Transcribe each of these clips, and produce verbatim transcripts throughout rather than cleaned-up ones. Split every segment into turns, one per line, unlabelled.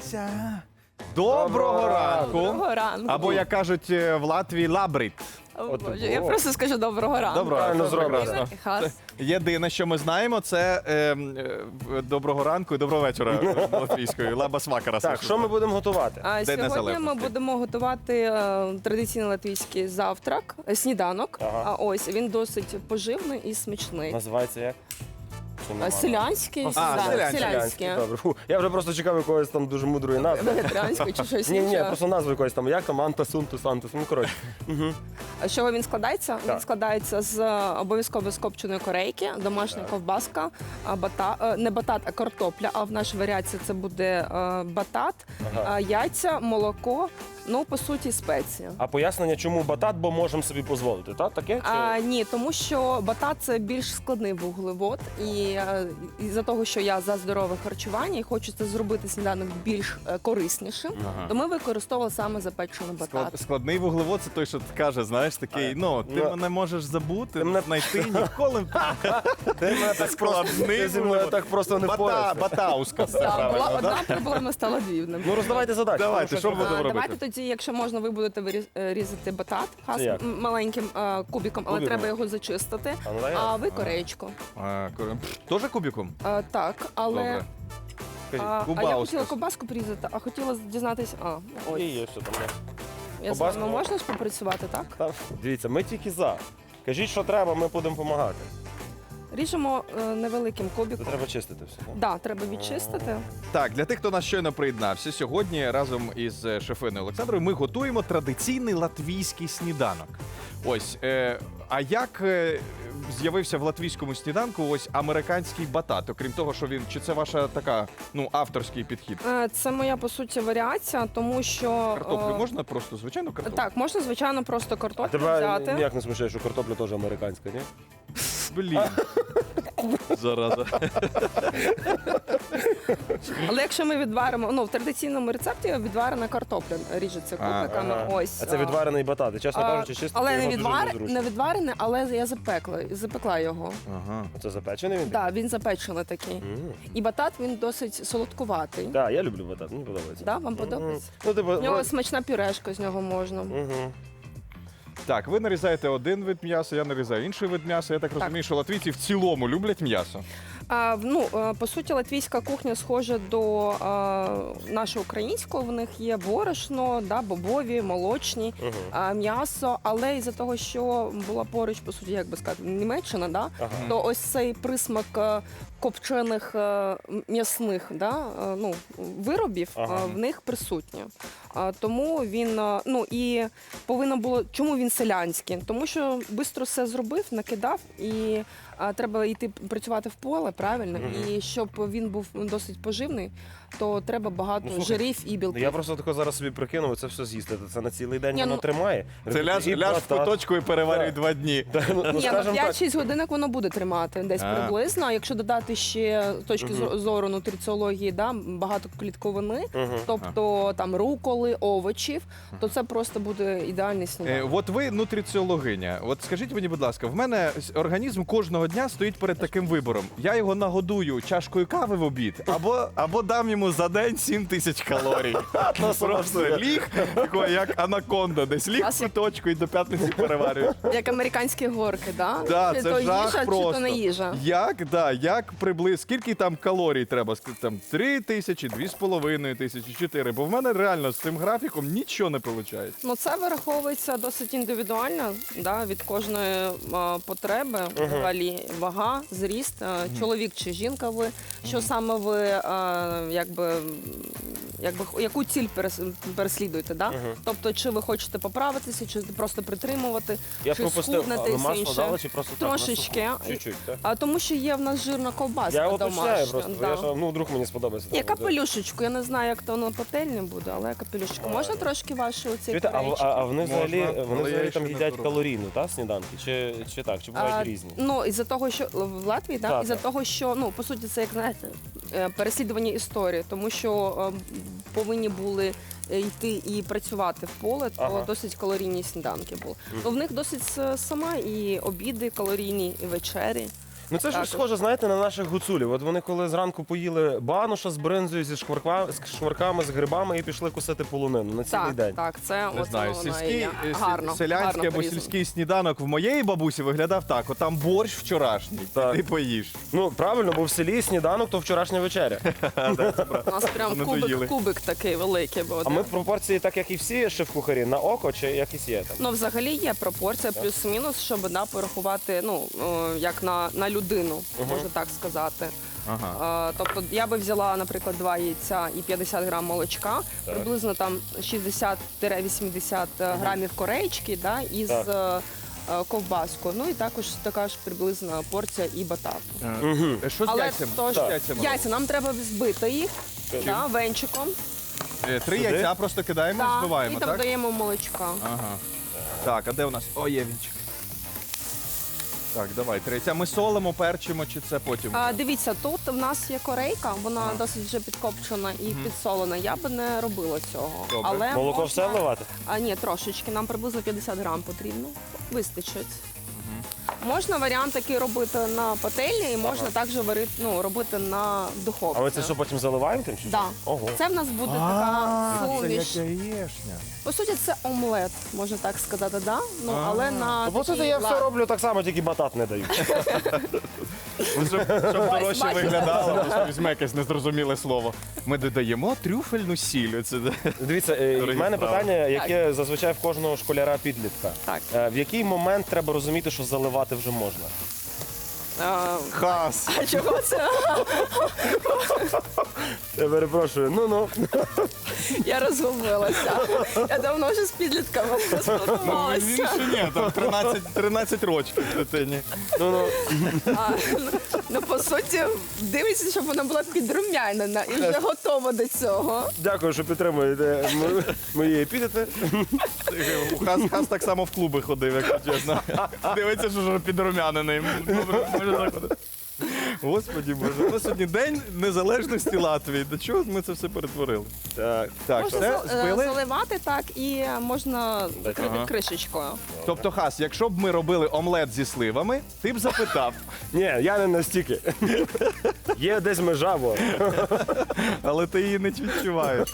Вася. Доброго ранку.
Доброго ранку.
Або, як кажуть в Латвії, лабрит.
О,
От
Боже,
було.
я просто скажу доброго ранку.
Доброго
Правильно
ранку.
зроблено.
Прекрасно.
Хас.
Єдине, що ми знаємо, це е, е, доброго ранку і доброго вечора е, латвійською. Лаба смакара.
Так, що ми будемо готувати?
А
День
сьогодні ми
Незалежності.
будемо готувати е, традиційний латвійський завтрак, е, сніданок.
Ага.
А ось він досить поживний і смачний.
Називається як? Чи нема?
А, Селянський,
А,
да,
селянський.
селянський.
Добре. Фу, я вже просто чекав якоїсь там дуже мудрої назви.
Вегетаріанський чи щось
Ні, ні,
інше.
просто назви якоїсь там, як там, Антас, Унтус, Антус, ну коротше.
А з чого він складається?
Так.
Він складається з е, обов'язково з копченої корейки, домашня ковбаска, а, бата, е, не батат, а картопля. А в нашій варіації це буде е, батат,
Ага.
е, яйця, молоко, ну по суті спеції.
А пояснення, чому батат, бо можемо собі дозволити, так? Таке? Чи...
А, ні, тому що батат це більш складний вуглевод, і е, із-за того, що я за здорове харчування і хочу це зробити сніданок більш е, кориснішим,
Ага.
то ми використовували саме запечений батат.
Склад, складний вуглевод це той, що каже, знаєш, такий, ну, ти
Ну,
мене можеш забути,
ти мене-
знайти ніколи.
Ти мене так просто, ти зі мною так просто не
Бата,
впораєшся.
батауска, це
Так, була
правильно,
одна
да?
проблема, стала дві.
Ну роздавайте задачі.
Давайте, що
ви
будемо
А,
робити?
Давайте тоді, якщо можна, ви будете виріз- е, різати батат хас,
Це як?
м- маленьким е, кубиком, але
Кубиком?
треба його зачистити.
А, ну, дай я.
А ви кореєчку.
А, ко- Тоже кубиком?
Е, Так, але
Добре.
Кажіть.
а, а я
Кубаускас.
хотіла ковбаску порізати, а хотіла дізнатися. А, ось.
Є, є, що там. є.
Я з
ковбаску?
вами можна співпрацювати, так?
Та, дивіться, ми тільки за. Кажіть, що треба, ми будемо допомагати.
Ріжемо е, невеликим
Це
кубиком.
треба чистити все. так?
Да, треба відчистити.
Так, для тих, хто нас щойно приєднався, сьогодні разом із е, шефиною Олександрою ми готуємо традиційний латвійський сніданок. Ось, е, а як е, з'явився в латвійському сніданку ось американський батат? Окрім того, що він, чи це ваша така, ну, авторський підхід?
Е, Це моя, по суті, варіація, тому що...
Картоплю
е,
можна просто, звичайно, картоплю?
Так, можна, звичайно, просто
А
картоплю
тебе
взяти.
ніяк не смущає, що картопля теж американська, ні?
Блін. Зараза.
Але якщо ми відваримо, ну в традиційному рецепті відварена картопля ріжеться
А,
кубиками.
Ага.
Ось
А це відварений батат. І, чесно
а,
кажучи, чисто
але не
його дуже
відвар
незручно.
не відварене, але я запекла запекла його.
Ага.
Це запечений він?
Так, він запечений такий.
Мгм.
І батат він досить солодкуватий.
Так, я люблю батат, мені подобається.
Да, вам подобається?
Мгм. Ну, типу,
В нього
вроде-
смачна пюрешка, з нього можна.
Мгм.
Так, ви нарізаєте один вид м'яса, я нарізаю інший вид м'яса. Я так розумію, що латвійці в цілому люблять м'ясо.
А, ну, е, по суті, латвійська кухня схожа до е, нашої української. В них є борошно, да, бобові, молочні,
Мгм.
а, м'ясо. Але із-за того, що була поруч, по суті, як би сказати, Німеччина, да,
Ага.
то ось цей присмак е, копчених е, м'ясних да, е, ну, виробів е,
Ага.
в них присутнє. А, Тому він, е, ну і повинно було, чому він селянський? Тому що швидко все зробив, накидав, і а, треба йти працювати в поле, правильно?
Мгм.
І щоб він був досить поживний, то треба багато
Ну, слухай,
жирів і
Ну,
білків.
я просто тако зараз собі прикинув, це все з'їсти. Це на цілий день
Ні,
воно
ну-
тримає.
Це ляж,
І
ляж в
батат.
куточку і переварюй
Так.
два дні.
Та, ну, ну,
Ні, ну
скажем так,
п'ять-шість годинок воно буде тримати десь
А.
приблизно. А якщо додати ще з точки
Мгм.
зору нутриціології, да, багато клітковини,
Мгм.
тобто там руколи, овочів, то це просто буде ідеальний
Е,
сніданок.
от ви нутриціологиня. От скажіть мені, будь ласка, в мене с- організм кожного дня стоїть перед таким вибором. Я його нагодую чашкою кави в обід, або, або дам йому за день сім тисяч калорій. Просто ліг, такий, як анаконда, десь ліг в куточку і до п'ятниці переварюєш.
Як американські горки, да?
Да,
чи
це
то
жах
їжа,
просто.
чи то не їжа.
Як, да, як приблизно, скільки там калорій треба? Ск- Там три тисячі, дві з половиною тисячі, чотири. Бо в мене реально з цим графіком нічого не виходить.
Ну, це вираховується досить індивідуально, да, від кожної а, потреби, взагалі вага, зріст, а, чоловік чи жінка ви, що саме ви, а, якби, якби, яку ціль перес- переслідуєте, да? Тобто, чи ви хочете поправитися, чи просто притримувати,
Я
чи
пропустив,
схуднути,
а ви
і все
масло
інше.
дали чи просто так?
Трошечки.
Чуть-чуть, так?
А тому що є в нас жирна ковбаска
Я уточняю
домашня.
просто,
да.
я ж, ну, вдруг мені сподобається.
Є
там,
капелюшечку, я не знаю, як то на пательні буде, але капелюшечку. Можна трошки ваші оці
Чуєте, а, в- а, а вони
Можна,
взагалі,
але
вони
я
взагалі
ще
там
не
їдять
пробував.
калорійну, та, сніданки? Чи, чи так, чи бувають
А,
різні?
Ну, із-за того, що в Латвії, да,
Так,
із-за
так.
того, що ну по суті це як знаєте е, переслідування історії, тому що е, повинні були е, йти і працювати в поле, то
Ага.
досить калорійні сніданки були. Ну в них досить с- сама і обіди калорійні, і вечері.
Ну це ж
Також.
схоже, знаєте, на наших гуцулів. От вони коли зранку поїли баноша з бринзою, зі шкварками, з шкварками, з грибами і пішли кусити полонину на цілий
Так,
день.
так, це
Не
оце
знаю,
воно і
сільський,
є.
е, сі-
Гарно,
селянський
гарно
або
порізано.
сільський сніданок в моєї бабусі виглядав так: от там борщ вчорашній,
Так.
ти поїш.
Ну правильно, бо в селі сніданок то вчорашня вечеря.
У нас прям
Не доїли.
кубик, кубик такий великий. Бо
А ми пропорції, так як і всі шеф-кухарі, на око чи якісь є там?
Ну, взагалі є пропорція плюс-мінус, щоб да, порахувати, ну, о, як на, на людину, можна так сказати.
Ага.
Е, тобто я би взяла, наприклад, два яйця і п'ятдесят грам молочка, приблизно там шістдесят-вісімдесят грамів корейчки, да, із
Так.
е, е, ковбаскою. Ну і також така ж приблизна порція і батату.
Е, Що з
Але
яйцями?
тож,
Що з яйцями
яйця нам треба збити їх
Чим?
да, венчиком.
робимо? Е, Три
Сюди?
яйця просто кидаємо і
Да,
збиваємо,
і там
так?
даємо молочка.
Ага. Так, а де у нас? О, є вінчик. Так, давай, три яйця. Ми солимо, перчимо, чи це потім?
А, дивіться, тут в нас є корейка, вона
Ага.
досить вже підкопчена і підсолена. Я би не робила цього.
Добре.
Але
Молоко
можна...
все вливати?
А ні, трошечки. Нам приблизно п'ятдесят грам потрібно. Вистачить. Можна варіант такий робити на пательні і можна також варити, ну, робити на духовці.
А ми це що потім заливаємо тим? чи що?
Да.
Ого.
Це в нас буде така
А, це
суміш.
як яєшня.
По суті, це омлет, можна так сказати, да? Ну, але на
Ну, бо це
такій
я все
ла-
роблю так само, тільки батат не даю.
Щоб, щоб дорожче
бачите?
виглядало, просто візьме якесь незрозуміле слово. Ми додаємо трюфельну сіль. Оце, да.
Дивіться, е,
Дорогі
в мене
справи.
питання, яке зазвичай в кожного школяра підлітка.
Так.
Е, В який момент треба розуміти, що заливати вже можна?
А,
Хас.
а чого це?
Я перепрошую, ну-ну.
Я розгубилася. Я давно вже з підлітками
Він
поспілкувалася.
ще ні, там тринадцять, тринадцять років дитині.
Ну-ну.
А, ну, ну, по суті, дивіться, щоб вона була підрумянена і вже готова до цього.
Дякую, що підтримуєте м- мої епітети.
Хас, Хас так само в клуби ходив, якщо чесно. Дивиться, що вже підрумянений. Добре, може заходити. Господі Боже, у нас сьогодні День Незалежності Латвії. До чого ми це все перетворили?
Так.
Так,
Можна
все,
за- е,
збили?
заливати так і можна закрити
Ага.
кришечкою.
Тобто, Хас, якщо б ми робили омлет зі сливами, ти б запитав.
Ні, я не настільки. Є десь межа, бо.
Але ти її не відчуваєш.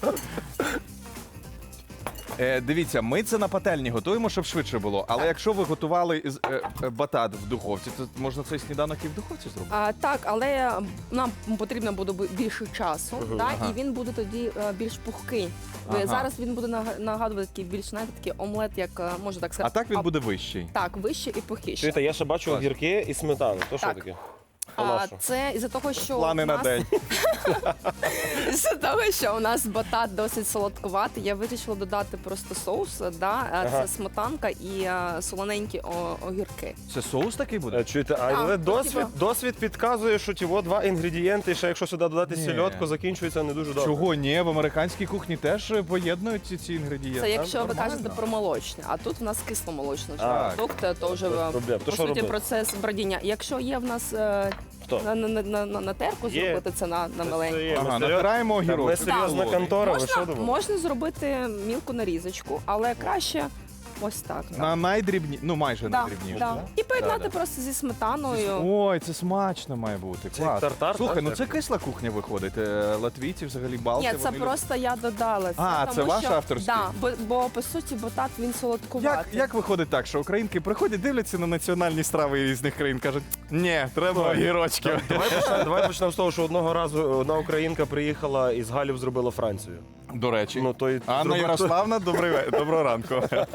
Е, дивіться, ми це на пательні готуємо, щоб швидше було. Але якщо ви готували із- е, е, батат в духовці, то можна цей сніданок і в духовці зробити.
А, так, але нам потрібно буде бі- більше часу, да,
Ага.
і він буде тоді е, більш пухкий. Ви-
Ага.
Зараз він буде нага- нагадувати такий більш знаєте, такий омлет, як е, можна так
А
сказати.
так він буде вищий.
Так, вище і пухіше.
Чуєте, я ще бачу
Клас.
огірки і сметану. То що
Так.
таке?
А,
Нащо?
це із-за того, що
Плани
у
на
нас,
день.
із-за того, що у нас батат досить солодкуватий, я вирішила додати просто соус, да, е,
Ага.
це сметанка і е, солоненькі о- огірки.
Це соус такий буде?
Е, Чуєте, але
ну,
досвід,
типа-
досвід підказує, що ті во два інгредієнти, ще якщо сюди додати
Ні.
сільотку, закінчується не дуже добре.
Чого ні? В американській кухні теж е, поєднують ці, ці інгредієнти.
Це якщо ви
Нормально.
кажете про молочне, а тут в нас кисломолочний
А.
продукт, то вже
Без
е,
проблем. То
по
що
суті
робити?
процес бродіння. Якщо є в нас е,
Хто?
на, на, на, на, на терку
Є.
зробити це на, на
Це
маленьку.
є.
Ага,
Ми
натираємо
Та
огірок.
Ми серйозна
Так.
контора, ви що
Можна,
думаєте?
можна зробити мілку нарізочку, але краще ось так.
На найдрібні, ну майже
Да,
найдрібніші.
да.
да?
І поєднати
Да, да.
просто зі сметаною.
Ой, це смачно має бути.
Це
Клас.
тартар,
Слухай,
так?
ну це кисла кухня виходить. Е, Латвійці взагалі балти.
Ні, це
вони
просто я додала. Це,
А,
тому
це ваш
що,
авторський?
Да, бо, бо по суті батат він
люблять.
солодкуватий.
Як, як виходить так, що українки приходять, дивляться на національні страви різних країн, кажуть, ні, треба огірочки.
Давай почнемо, давай почнемо з того, що одного разу одна українка приїхала із Галів зробила Францію.
До речі.
Ну, то й
Анна
зробила-
Ярославна, добрий ве- доброго ранку.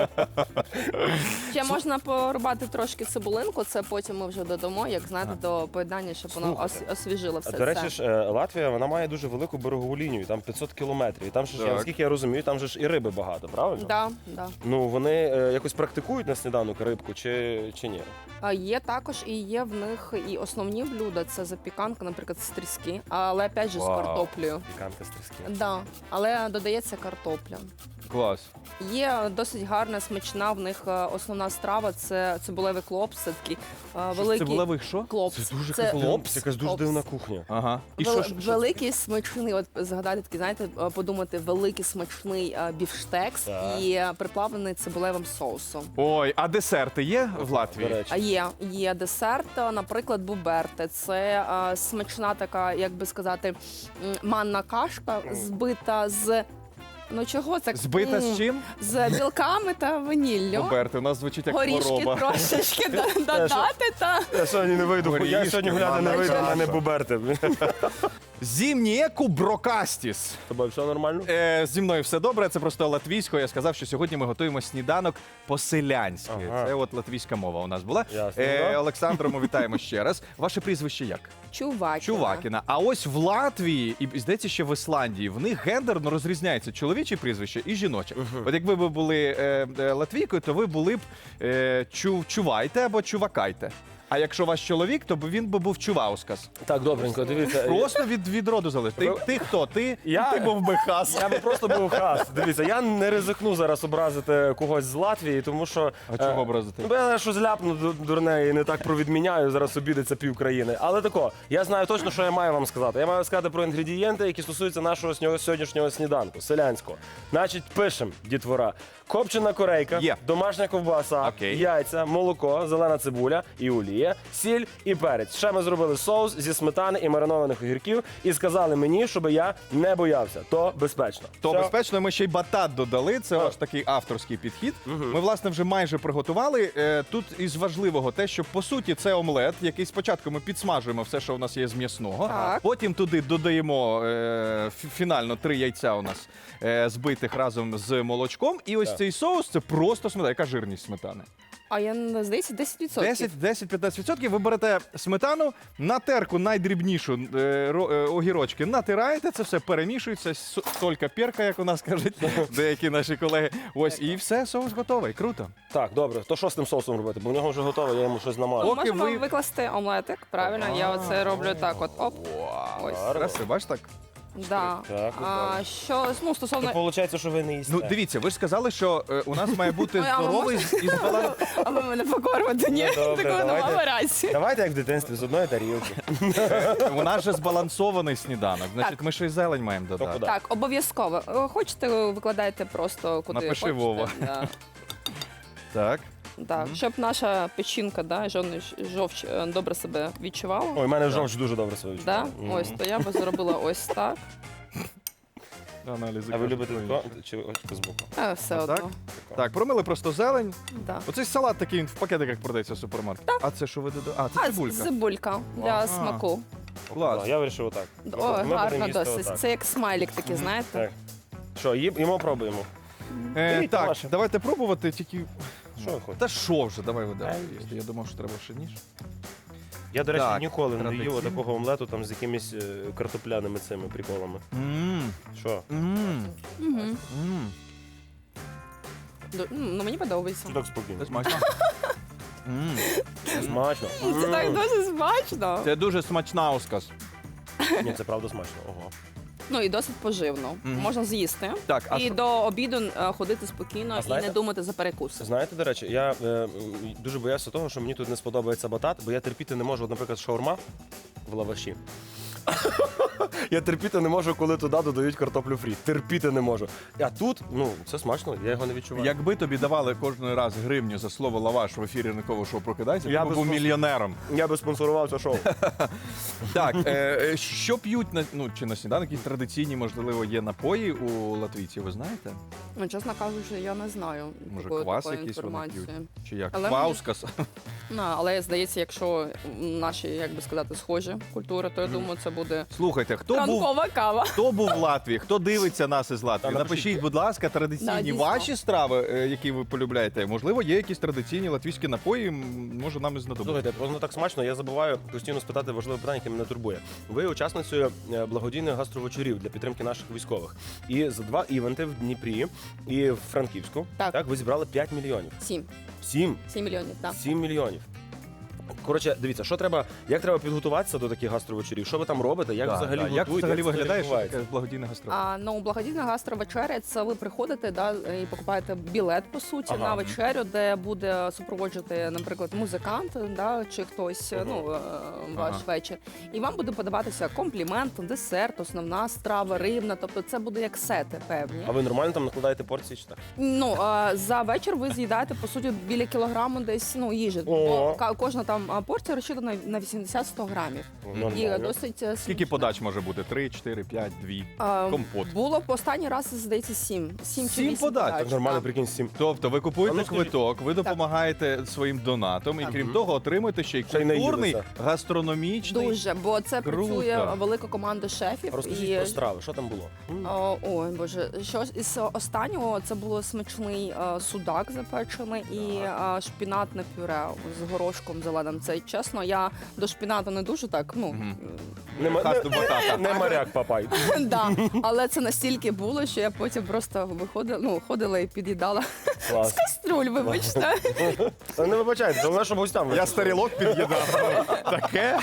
Ще можна порубати трошки цибулинку, це потім ми вже додамо, як знаєте, до поєднання, щоб воно ос-
Слухайте.
освіжило
А,
все
До речі
це.
ж, е, Латвія вона має дуже велику берегову лінію, там п'ятсот кілометрів. І там ще ж, я,
Так.
наскільки я розумію, там же ж і риби багато, правильно?
Да, да.
Ну вони е, якось практикують на сніданок рибку чи, чи ні?
А є також і є в них і основні блюда, це запіканка, наприклад, з тріски, але опять же з
Вау.
картоплею.
Піканка з тріски.
Да, але додається картопля.
Клас.
Є досить гарна, смачна в них е, основна страва. Це цибулевий клопс, це такий е, великий
Цибулевий що?
клопс.
Це дуже
Це-
якась-
Клопс?
якась дуже
Клопс.
дивна кухня.
Ага. І
Вел-
що ж?
великий смачний, от згадати такий, знаєте, е, подумати, великий смачний е, бівштекс
Так.
і е, приплавлений цибулевим соусом.
Ой, а десерти є в Латвії?
До речі.
А є, є десерт, е, наприклад, буберте. Це е, смачна така, як би сказати, м, манна кашка, збита з. Ну чого це?
Збита
М,
з чим?
З білками та ваніллю.
Роберти, у нас звучить як
Горішки
хвороба.
трошечки до- додати та.
Я сьогодні не вийду, я
Горішки,
сьогодні гуляти не
манна
вийду,
каша.
мене буберти.
Зімнієку брокастіс.
З тобою все нормально?
Е, зі мною все добре, це просто латвійською. Я сказав, що сьогодні ми готуємо сніданок по-селянськи.
Ага.
Це от латвійська мова у нас була.
Ясно,
Е,
да.
Олександро, ми вітаємо ще раз. Ваше прізвище як?
Чувакіна.
Чувакіна. А ось в Латвії і здається, ще в Ісландії в них гендерно розрізняється чоловіче прізвище і жіноче. От якби ви були е, е, латвійкою, то ви були б е, чу, чувайте або чувакайте. А якщо ваш чоловік, то б він би був чуваускас.
Так, добренько, дивіться.
Просто від, від роду залежить. Ти, ти хто? Ти,
Я-
ти був би хас.
Я би просто був хас. Дивіться, я не ризикну зараз образити когось з Латвії, тому що.
А чого
е,
образити?
Ну, бо я щось ляпну ду- дурне і не так провідміняю, зараз обідеться пів країни. Але тако, я знаю точно, що я маю вам сказати. Я маю сказати про інгредієнти, які стосуються нашого снього- сьогоднішнього сніданку, селянського. Значить, пишемо, дітвора. Копчена корейка,
Є.
домашня ковбаса,
Окей.
яйця, молоко, зелена цибуля і олія, сіль і перець. Ще ми зробили соус зі сметани і маринованих огірків і сказали мені, щоб я не боявся. То безпечно.
То
Все?
безпечно, ми ще й батат додали. Це
Так.
аж такий авторський підхід. Ми, власне, вже майже приготували. Е, Тут із важливого те, що по суті це омлет, який спочатку ми підсмажуємо все, що у нас є з м'ясного.
Так.
Потім туди додаємо е, фі- фінально три яйця у нас е, збитих разом з молочком. І ось
Так.
цей соус це просто сметана. Яка жирність сметани?
А я не здається, десять відсотків.
десять-п'ятнадцять відсотків. Ви берете сметану, на терку найдрібнішу е, ро- е, огірочки натираєте, це все перемішується, с- солька перка, як у нас кажуть деякі наші колеги. Ось і все, соус готовий. Круто.
Так, добре. То що з тим соусом робити? Бо в нього вже готове, я йому щось намажу.
Поки
Можемо
ви-
викласти омлетик, правильно? Я оце роблю так, от оп. Ось.
Краси, бачиш так?
Да.
Так,
А, що, ну,
То
стосовно...
виходить, що ви не їсте.
Ну дивіться, ви ж сказали, що е, у нас має бути
Ой, а ви
здоровий і збалансований.
А ви мене покормите, ні?
Ну, добре,
Такого
давайте.
нема рації.
Давайте як в дитинстві з одної тарілки.
У нас же збалансований сніданок. Значить, ми ще й зелень маємо додати.
куди?
Так, обов'язково. Е, Хочете, викладайте просто куди
Напиши,
хочете.
Вова.
Да.
Так.
Так, щоб наша печінка, да, жовч, жовч е, добре себе відчувала.
Ой, в мене жовч дуже добре себе
Да?
відчуває. Мгм.
Ось, то я би зробила ось так.
Аналізи
А ви
кажуть,
любите
твої.
тако чи ось збоку?
А, все
А
одно.
так? Так, промили просто зелень.
Да.
Оцей салат такий він в пакетиках продається в супермаркеті. А це що ви додаєте? А, це
А,
цибулька.
цибулька для
Ага.
смаку.
Клас.
А, Я вирішив отак.
О,
Ми будемо
гарно
їсти
досить.
отак.
Це як смайлік такий, знаєте?
Так. Що, їм- їмо пробуємо.
Е,
Беріть
так,
ваше.
давайте пробувати, тільки.
Що ви хочете?
Та що вже, давай видай.
Ай.
Я думав, що треба ще ніж.
Я, до речі,
Так,
ніколи не
традиційно.
їв такого омлету там з якимись е, картопляними цими приколами.
Мм.
Що?
Мм.
Мгм.
Мм.
Ду- Ну, мені подобається.
Що так спокійно?
Це смачно. Мм.
Смачно.
Це так дуже смачно.
Це дуже смачна осказ.
Ні, це правда смачно. Ого.
Ну і досить поживно.
Мгм.
Можна з'їсти.
Так, а
І
що-
до обіду е, ходити спокійно
А
і
знаєте-
не думати за перекуси.
Знаєте, до речі, я е, м, дуже боявся того, що мені тут не сподобається батат, бо я терпіти не можу, от, наприклад, шаурма в лаваші. Я терпіти не можу, коли туди додають картоплю фрі. Терпіти не можу. А тут, ну, це смачно, я його не відчуваю.
Якби тобі давали кожен раз гривню за слово лаваш в ефірі ранкового шоу «Прокидайся»,
Я
ти б
би
був
спонсор-
мільйонером.
Я би спонсорував це шоу.
Так, е, е, що п'ють на ну чи на сніданок, якісь традиційні, можливо, є напої у латвійців, ви знаєте?
Ну, чесно кажучи, я не знаю
Може,
такої,
квас
такої
якийсь вони
інформації.
п'ють? Чи як?
Але
Кваускас?
Ну, але здається, якщо наші, як би сказати, схожі культури, то я думаю, це буде
Слухайте, хто був,
ранкова кава.
хто був в Латвії, хто дивиться нас із Латвії?
Та
Напишіть,
напишіть.
будь ласка,
Да,
традиційні
дійсно.
ваші страви, е, які ви полюбляєте. Можливо, є якісь традиційні латвійські напої, м, може нам і знадобиться.
Слухайте, воно так смачно, я забуваю постійно спитати важливе питання, яке мене турбує. Ви учасницею е, благодійних гастровечорів для підтримки наших військових. І за два івенти в Дніпрі і в Франківську
Так.
ви зібрали п'ять мільйонів.
Сім.
Сім.
Сім мільйонів, так.
Сім мільйонів. Коротше, дивіться, що треба, як треба підготуватися до таких гастровечерів? Що ви там робите? Як
Да,
взагалі
да.
готуєте?
Як взагалі
це
виглядає, що
відбувається?
таке благодійне гастро?
А, ну, благодійна гастровечеря – це ви приходите, да, і покупаєте білет, по суті,
Ага.
на вечерю, де буде супроводжувати, наприклад, музикант, да, чи хтось,
Ага.
ну, е, ваш
Ага.
вечір. І вам буде подаватися комплімент, десерт, основна страва, рибна, тобто це буде як сети певні.
А ви нормально там накладаєте порції чи так?
Ну, а, за вечір ви з'їдаєте, по суті, біля кілограму десь, ну, їжі.
О.
Бо ка- кожна там а, порція розчитана на вісімдесят-сто грамів. І
Нормально.
досить е,
Скільки
смачно.
подач може бути? Три, чотири, п'ять, дві.
А,
Компот.
Було в останній раз, здається, сім. Сім, чи
Сім
вісім
подач?
Так нормально,
так.
прикинь, сім.
Тобто ви
А
купуєте
ну, скажіть.
квиток, ви допомагаєте своїм донатом, і
Так.
крім того, отримуєте ще й
Ще й
культурний,
наїлися.
гастрономічний.
Дуже, бо це
Круто.
працює велика команда шефів.
Розкажіть
і...
про страви, що там було? М.
О, ой, боже, що із останнього це було смачний е, судак запечений і е, шпінатне пюре з горошком зеленим. Це чесно, я до шпінату не дуже так. Ну
Мгм.
Не, ма-
Хасту
не,
батата.
не моряк, папай.
да, але це настільки було, що я потім просто виходила, ну ходила і під'їдала
Клас.
каструль. Вибачте.
Та не вибачайте, головне, щоб гостям.
Я старілок під'їдав. Таке.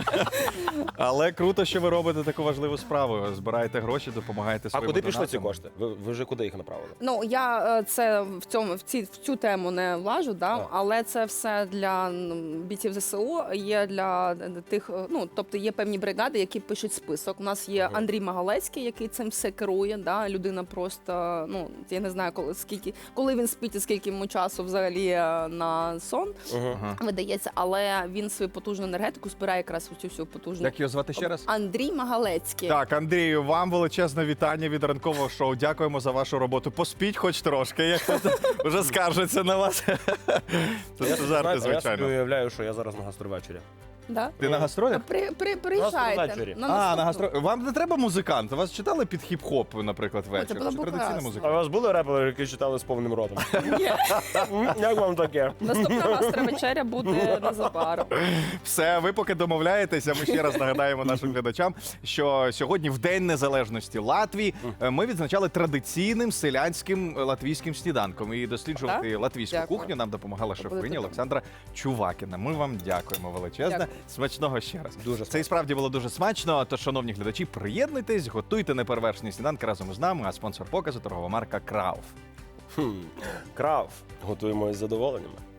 Але круто, що ви робите таку важливу справу. Збираєте гроші, допомагаєте
А
своїм
куди пішли ці
донатам.
кошти? Ви, ви вже куди їх направили?
Ну я е, це в цьому в ці в цю тему не влажу, да
Так.
але це все для м, бійців ЗСУ. Є для тих, е, ну тобто є певні бригади, які пишуть список. У нас є
Мгм.
Андрій Магалецький, який цим все керує. Да, людина просто ну я не знаю, коли скільки, коли він спить і скільки йому часу взагалі е, на сон
Угу.
Ага.
видається, але він свою потужну енергетику збирає якраз у цю всю потужну.
Як його звати ще раз?
Андрій Магалецький.
Так, Андрію, вам величезне вітання від ранкового шоу. Дякуємо за вашу роботу. Поспіть хоч трошки, як тут вже скаржиться на вас. Це
Я,
жарти,
знаєте, я собі
звичайно.
уявляю, що я зараз на гастровечері.
Да?
Ти на гастролях?
При, при, приїжджайте.
ввечері.
На
А, на
наступну.
гастро... Вам не треба музикант? Вас читали під хіп-хоп, наприклад, вечір?
було
Чи
б
традиційна
клас.
А
музика?
у вас були репери, які читали з повним ротом?
Ні.
М, Як вам таке?
Наступна гастровечеря буде незабаром.
Все, ви поки домовляєтеся. Ми ще раз нагадаємо нашим глядачам, що сьогодні, в День Незалежності Латвії, е, ми відзначали традиційним селянським е, латвійським сніданком. І досліджувати латвійську
Дякую.
кухню нам допомагала
Буде
шефиня
добре.
Олександра Чувакіна. Ми вам дякуємо величезне.
Дякую.
Смачного ще раз.
Дуже
Це і справді було дуже смачно. Тож, шановні глядачі, приєднуйтесь, готуйте неперевершені сніданки разом із нами. А спонсор показу торгова марка Крауф.
Хм. Крав. Готуємо із задоволеннями.